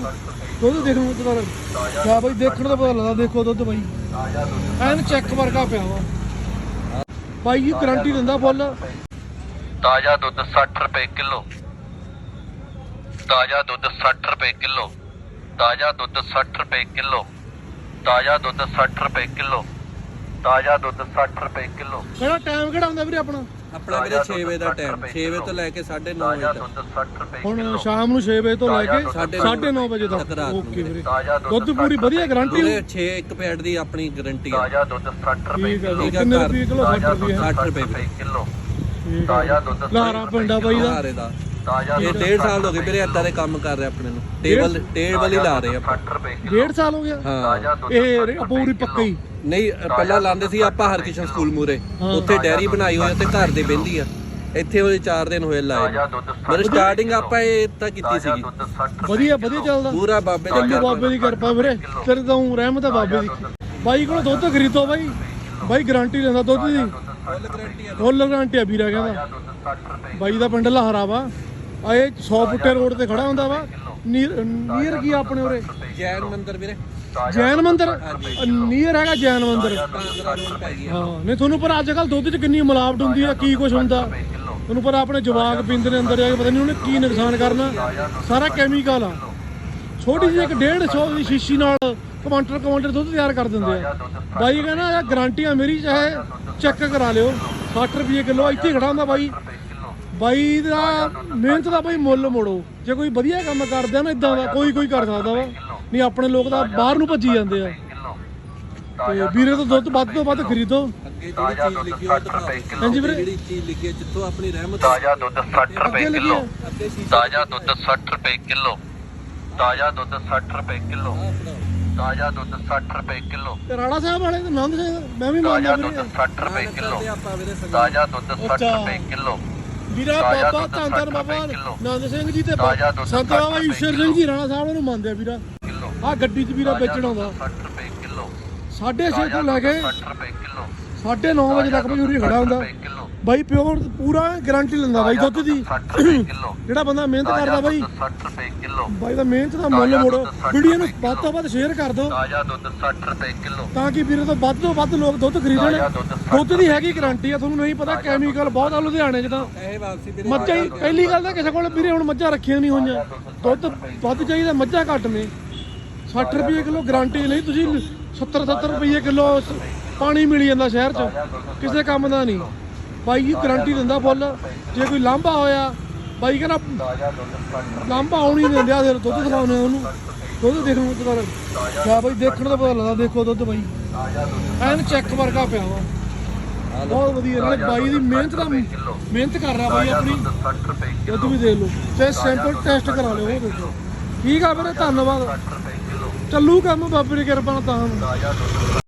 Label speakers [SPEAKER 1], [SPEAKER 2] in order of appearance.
[SPEAKER 1] ਦੁੱਧ ਦੇਖਣ ਨੂੰ ਪਤਾ ਲੱਗਦਾ ਬਾਈ, ਦੇਖਣ ਦਾ ਪਤਾ ਲੱਗਦਾ। ਦੇਖੋ ਦੁੱਧ ਬਾਈ ਐਨ ਚੈੱਕ ਵਰਗਾ ਪਿਆ ਵਾ ਬਾਈ ਜੀ, ਗਰੰਟੀ ਦਿੰਦਾ ਫੁੱਲ।
[SPEAKER 2] ਤਾਜ਼ਾ ਦੁੱਧ 60 ਰੁਪਏ ਕਿਲੋ, ਤਾਜ਼ਾ ਦੁੱਧ 60 ਰੁਪਏ ਕਿਲੋ, ਤਾਜ਼ਾ ਦੁੱਧ 60 ਰੁਪਏ ਕਿਲੋ, ਤਾਜ਼ਾ ਦੁੱਧ 60 ਰੁਪਏ ਕਿਲੋ, ਤਾਜ਼ਾ ਦੁੱਧ 60 ਰੁਪਏ ਕਿਲੋ।
[SPEAKER 1] ਕਿਹੜਾ ਟਾਈਮ ਕਿਹੜਾ ਹੁੰਦਾ ਵੀਰੇ ਆਪਣਾ?
[SPEAKER 3] ਆਪਣਾ ਵੀਰੇ 6 ਵਜੇ ਦਾ ਟਾਈਮ, 6 ਵਜੇ ਤੋਂ ਲੈ ਕੇ 9:30 ਵਜੇ ਤੱਕ।
[SPEAKER 2] ਦੁੱਧ 60 ਰੁਪਏ
[SPEAKER 1] ਹੁਣ ਸ਼ਾਮ ਨੂੰ 6 ਵਜੇ ਤੋਂ ਲੈ ਕੇ 9:30 ਵਜੇ ਤੱਕ। ਓਕੇ ਵੀਰੇ, ਦੁੱਧ ਪੂਰੀ ਵਧੀਆ ਗਰੰਟੀ।
[SPEAKER 3] 6 ਇੱਕ ਪੈਡ ਦੀ ਆਪਣੀ ਗਾਰੰਟੀ ਆ।
[SPEAKER 2] ਤਾਜ਼ਾ ਦੁੱਧ 60 ਰੁਪਏ
[SPEAKER 1] ਠੀਕ ਹੈ
[SPEAKER 2] ਕਿਲੋ,
[SPEAKER 1] ਜੀ। ਕਿੰਨੇ ਰੁਪਏ ਕਿਲੋ? 60 ਰੁਪਏ
[SPEAKER 3] 60 ਰੁਪਏ
[SPEAKER 2] ਕਿਲੋ।
[SPEAKER 1] ਠੀਕ
[SPEAKER 2] ਤਾਜ਼ਾ ਦੁੱਧ
[SPEAKER 1] ਲਾਰਾ ਪਿੰਡਾ ਬਾਈ ਦਾ।
[SPEAKER 3] ਹਾਰੇ ਦਾ
[SPEAKER 2] ਤਾਜ਼ਾ
[SPEAKER 3] ਇਹ 1.5 ਸਾਲ ਹੋ ਗਏ ਵੀਰੇ ਏਦਾਂ ਦੇ ਕੰਮ ਕਰ ਰਹੇ ਆਪਣੇ ਨੂੰ। ਟੇਬਲ ਹੀ ਲਾ ਰਹੇ ਆਪਾਂ।
[SPEAKER 2] 60 ਰੁਪਏ
[SPEAKER 1] 1.5 ਸਾਲ ਹੋ ਗਿਆ
[SPEAKER 3] ਹਾਂ,
[SPEAKER 1] ਇਹ ਪੂਰੀ ਪੱਕਾ ਹੀ।
[SPEAKER 3] ਨਹੀਂ ਪਹਿਲਾਂ ਲਾਉਂਦੇ ਸੀ ਆਪਾਂ ਹਰਕਿਸ਼ਨ ਸਕੂਲ ਮੂਰੇ, ਉੱਥੇ ਡੈਰੀ ਬਣਾਈ ਹੋਈ ਤੇ ਘਰ ਦੇ ਬਹਿੰਦੀ ਆ। ਇੱਥੇ ਉਹਦੇ 4 ਦਿਨ ਹੋਏ ਲਾਏ। ਪਰ ਸਟਾਰਟਿੰਗ ਆਪਾਂ ਇਹ ਤਾਂ ਕੀਤੀ ਸੀਗੀ।
[SPEAKER 1] ਵਧੀਆ ਵਧੀਆ ਚੱਲਦਾ
[SPEAKER 3] ਪੂਰਾ ਬਾਬੇ
[SPEAKER 1] ਚੱਲੂ,
[SPEAKER 3] ਦਾ
[SPEAKER 1] ਬਾਬੇ ਦੀ ਕਿਰਪਾ ਵੀਰੇ। ਤੇਰੇ ਤੋਂ ਰਹਿਮਤ ਹੈ ਬਾਬੇ ਦੀ। ਬਾਈ ਕੋਲ ਦੁੱਧ ਖਰੀਦੋ ਬਾਈ, ਬਾਈ ਗਾਰੰਟੀ ਲੈਂਦਾ ਦੁੱਧ ਦੀ, ਫੁੱਲ ਗਾਰੰਟੀ ਆ ਵੀਰਾ ਕਹਿੰਦਾ। ਬਾਈ ਦਾ ਪਿੰਡ ਲਹਰਾ ਵਾ, ਇਹ 100 ਫੁੱਟੇ ਰੋਡ ਤੇ ਖੜਾ ਹੁੰਦਾ ਵਾ। ਨੀਅਰ ਕੀ ਆਪਣੇ ਉਰੇ?
[SPEAKER 3] ਜੈਨ ਮੰਦਿਰ ਵੀਰੇ,
[SPEAKER 1] ਜੈਨ ਮੰਦਿਰ ਨੀਅਰ ਹੈਗਾ। ਜੈਨ ਮੰਦਿਰ
[SPEAKER 3] 15 ਰੋਡ ਪੈ ਗਈ।
[SPEAKER 1] ਹਾਂ ਨਹੀਂ ਤੁਹਾਨੂੰ ਪਰ ਅੱਜ ਕੱਲ ਦੁੱਧ 'ਚ ਕਿੰਨੀ ਮਿਲਾਵਟ ਹੁੰਦੀ ਆ, ਕੀ ਕੁਝ ਹੁੰਦਾ ਤੁਹਾਨੂੰ ਪਰ। ਆਪਣੇ ਜਵਾਕ ਪੀਂਦੇ ਨੇ ਅੰਦਰ ਜਾ ਕੇ, ਪਤਾ ਨਹੀਂ ਉਹਨੇ ਕੀ ਨੁਕਸਾਨ ਕਰਨਾ। ਸਾਰਾ ਕੈਮੀਕਲ ਆ। ਛੋਟੀ ਜਿਹੀ 150 ਦੀ ਸ਼ੀਸ਼ੀ ਨਾਲ ਕੁਆਂਟਲ ਦੁੱਧ ਤਿਆਰ ਕਰ ਦਿੰਦੇ ਆ। ਬਾਈ ਕਹਿੰਦਾ ਯਾਰ ਗਾਰੰਟੀਆਂ ਮੇਰੀ, ਚਾਹੇ ਚੈੱਕ ਕਰਾ ਲਿਓ। 60 ਰੁਪਏ ਕਿਲੋ ਇੱਥੇ ਖੜਾ ਹੁੰਦਾ ਬਾਈ। ਬਾਈ ਦਾ ਮਿਹਨਤ ਦਾ ਬਾਈ ਮੁੱਲ ਮੋੜੋ। ਜੇ ਕੋਈ ਵਧੀਆ ਕੰਮ ਕਰਦਾ ਨਾ ਇਦਾਂ ਦਾ, ਕੋਈ ਕਰ ਸਕਦਾ ਵਾ, ਨਹੀਂ ਆਪਣੇ ਲੋਕ ਤਾਂ ਬਾਹਰ ਨੂੰ ਭੱਜੀ ਜਾਂਦੇ ਆ। ਤੇ ਵੀਰੇ ਤੋਂ ਦੁੱਧ ਵੱਧ ਤੋਂ ਵੱਧ ਖਰੀਦੋ।
[SPEAKER 3] ਅੱਗੇ ਜਿਹੜੀ ਚੀਜ਼ ਲਿਖੀ ਹੋਈ ਦਿਖਾਓ।
[SPEAKER 1] ਹਾਂਜੀ ਵੀਰੇ,
[SPEAKER 3] ਜਿਹੜੀ ਚੀਜ਼ ਲਿਖੀ ਹੈ ਜਿੱਥੋਂ ਆਪਣੀ ਰਹਿਮਤ।
[SPEAKER 2] ਤਾਜ਼ਾ ਦੁੱਧ 60 ਰੁਪਏ ਕਿਲੋ,
[SPEAKER 3] ਅੱਗੇ ਸ਼ੀਸ਼ੇ
[SPEAKER 2] ਤਾਜ਼ਾ ਦੁੱਧ 60 ਰੁਪਏ ਕਿਲੋ, ਤਾਜ਼ਾ ਦੁੱਧ 60 ਰੁਪਏ ਕਿਲੋ, ਤਾਜ਼ਾ ਦੁੱਧ 60 ਰੁਪਏ ਕਿਲੋ,
[SPEAKER 1] ਤੇ ਰਾਣਾ ਸਾਹਿਬ ਵਾਲੇ ਤੇ ਨੰਦ ਸਿੰਘ ਮੈਂ ਵੀ ਮੰਨਦਾ
[SPEAKER 2] ਤਾਜ਼ਾ ਦੁੱਧ
[SPEAKER 1] ਵੀਰੇ।
[SPEAKER 2] 60 ਰੁਪਏ ਕਿਲੋ,
[SPEAKER 3] ਆਪਾਂ ਵੀਰੇ
[SPEAKER 2] ਤਾਜ਼ਾ ਦੁੱਧ 60 ਰੁਪਏ ਕਿਲੋ।
[SPEAKER 1] ਵੀਰਾ ਬਾਬਾ ਧੰਨ ਧੰਨ ਬਾਬਾ ਨੰਦ ਸਿੰਘ ਜੀ ਤੇ ਸੰਤ ਬਾਬਾ ਈਸ਼ਰ ਸਿੰਘ ਜੀ ਰਾਣਾ ਸਾਹਿਬ ਨੂੰ ਮੰਨਦੇ ਆ ਵੀਰਾ। ਆ ਗੱਡੀ 'ਚ ਵੀਰਾ ਵੇਚਣ ਆਉਂਦਾ
[SPEAKER 2] 60 ਰੁਪਏ ਕਿਲੋ,
[SPEAKER 1] 6:30 ਤੋਂ ਲੈ ਕੇ
[SPEAKER 2] 60 ਰੁਪਏ ਕਿਲੋ,
[SPEAKER 1] 9:30 ਵਜੇ ਤੱਕ ਬਾਈ ਉਰੇ ਖੜਾ ਹੁੰਦਾ ਬਾਈ। ਪਿਓਰ ਪੂਰਾ ਗਾਰੰਟੀ ਲੈਂਦਾ ਬਾਈ ਦੁੱਧ ਦੀ।
[SPEAKER 2] 60 ਰੁਪਏ ਕਿਲੋ,
[SPEAKER 1] ਜਿਹੜਾ ਬੰਦਾ ਮਿਹਨਤ ਕਰਦਾ ਬਾਈ,
[SPEAKER 2] 60 ਰੁਪਏ ਕਿਲੋ,
[SPEAKER 1] ਬਾਈ ਦਾ ਮਿਹਨਤ ਦਾ ਮੁੱਲ ਮੋੜੋ। ਵੀਡੀਓ ਨੂੰ ਵੱਧ ਤੋਂ ਵੱਧ ਸ਼ੇਅਰ ਕਰ ਦਿਓ
[SPEAKER 2] ਤਾਜ਼ਾ ਦੁੱਧ 60 ਰੁਪਏ ਕਿਲੋ,
[SPEAKER 1] ਤਾਂ ਕਿ ਵੀਰੇ ਤੋਂ ਵੱਧ ਲੋਕ ਦੁੱਧ ਖਰੀਦਣ। ਦੁੱਧ ਦੀ ਹੈਗੀ ਗਾਰੰਟੀ ਆ, ਤੁਹਾਨੂੰ ਨਹੀਂ ਪਤਾ ਕੈਮੀਕਲ ਬਹੁਤ ਆ ਲੁਧਿਆਣੇ 'ਚ ਤਾਂ।
[SPEAKER 3] ਇਹ ਵਾਪਸੀ ਵੀਰੇ
[SPEAKER 1] ਮੱਝਾਂ ਹੀ ਪਹਿਲੀ ਗੱਲ ਤਾਂ ਕਿਸੇ ਕੋਲ ਵੀਰੇ ਹੁਣ ਮੱਝਾਂ ਰੱਖੀਆਂ ਨਹੀਂ ਹੋਈਆਂ। ਦੁੱਧ ਵੱਧ ਚਾਹੀਦਾ, ਮੱਝਾਂ ਘੱਟ ਨੇ। 60 ਰੁਪਏ ਕਿਲੋ ਗਾਰੰਟੀ ਲਈ ਤੁਸੀਂ 70 ਰੁਪਏ ਕਿਲੋ ਪਾਣੀ ਮਿਲ ਜਾਂਦਾ ਸ਼ਹਿਰ 'ਚ, ਕਿਸੇ ਕੰਮ ਦਾ ਨਹੀਂ। ਬਾਈ ਜੀ ਗਾਰੰਟੀ ਦਿੰਦਾ ਫੁੱਲ। ਜੇ ਕੋਈ ਲਾਂਭਾ ਹੋਇਆ ਬਾਈ ਕਹਿੰਦਾ ਲਾਂਭਾ ਆਉਣੀ ਨਹੀਂ ਦਿੰਦੇ। ਆ ਫਿਰ ਦੁੱਧ ਦਿਖਾਉਂਦੇ ਉਹਨੂੰ, ਦੁੱਧ ਦੇਖਣ ਨੂੰ ਪਤਾ ਲੱਗਦਾ ਬਾਈ, ਦੇਖਣ ਦਾ ਪਤਾ ਲੱਗਦਾ। ਦੇਖੋ ਦੁੱਧ ਬਾਈ ਐਨ ਚੈੱਕ ਵਰਗਾ ਪਿਆ ਵਾ, ਬਹੁਤ ਵਧੀਆ। ਨਾਲੇ ਬਾਈ ਦੀ ਮਿਹਨਤ ਕਰ ਰਿਹਾ ਬਾਈ ਆਪਣੀ।
[SPEAKER 2] 60 ਰੁਪਏ
[SPEAKER 1] ਦੁੱਧ ਵੀ ਦੇਖ ਲਓ ਤੇ ਸੈਂਪਲ ਟੈਸਟ ਕਰਾ ਲਿਓ। ਉਹ ਦੇਖੋ ਠੀਕ ਆ ਵੀਰੇ, ਧੰਨਵਾਦ। ਚੱਲੂ ਕੰਮ ਬਾਬੇ ਦੀ ਕਿਰਪਾ ਨਾਲ ਤਾਂ।